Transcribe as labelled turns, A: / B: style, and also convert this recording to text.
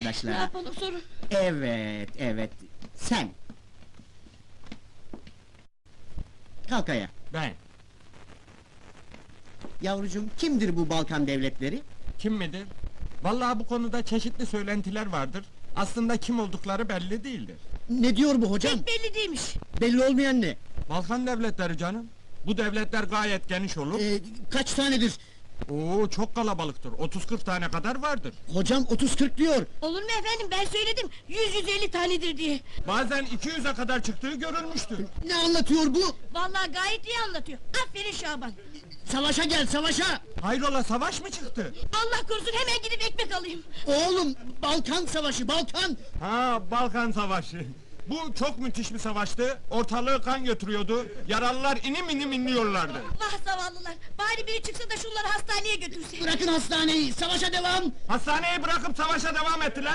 A: arkadaşlar.
B: Ne yapalım sorun?
A: Evet, evet. Sen. Kalk ayağa.
C: Ben.
A: Yavrucuğum, kimdir bu Balkan devletleri?
C: Kim midir? Vallahi bu konuda çeşitli söylentiler vardır. Aslında kim oldukları belli değildir.
A: Ne diyor bu hocam?
B: Pek belli değilmiş.
A: Belli olmayan ne?
C: Balkan devletleri canım. Bu devletler gayet geniş olur.
A: Kaç tanedir?
C: Oo, çok kalabalıktır. 30-40 tane kadar vardır.
A: Hocam 30-40 diyor.
B: Olur mu efendim, ben söyledim 100-150 tanedir diye.
C: Bazen 200'e kadar çıktığı görülmüştür.
A: Ne anlatıyor bu?
B: Vallahi gayet iyi anlatıyor. Aferin Şaban.
A: Savaşa gel, savaşa!
C: Hayrola, savaş mı çıktı?
B: Allah korusun, hemen gidip ekmek alayım.
A: Oğlum, Balkan savaşı, Balkan!
C: Ha, Balkan Savaşı. Bu çok müthiş bir savaştı. Ortalığı kan götürüyordu. Yaralılar inim inim inliyorlardı.
B: Vah zavallılar, bari biri çıksa da şunları hastaneye götürse.
A: Bırakın hastaneyi, savaşa devam!
C: Hastaneyi bırakıp savaşa devam ettiler.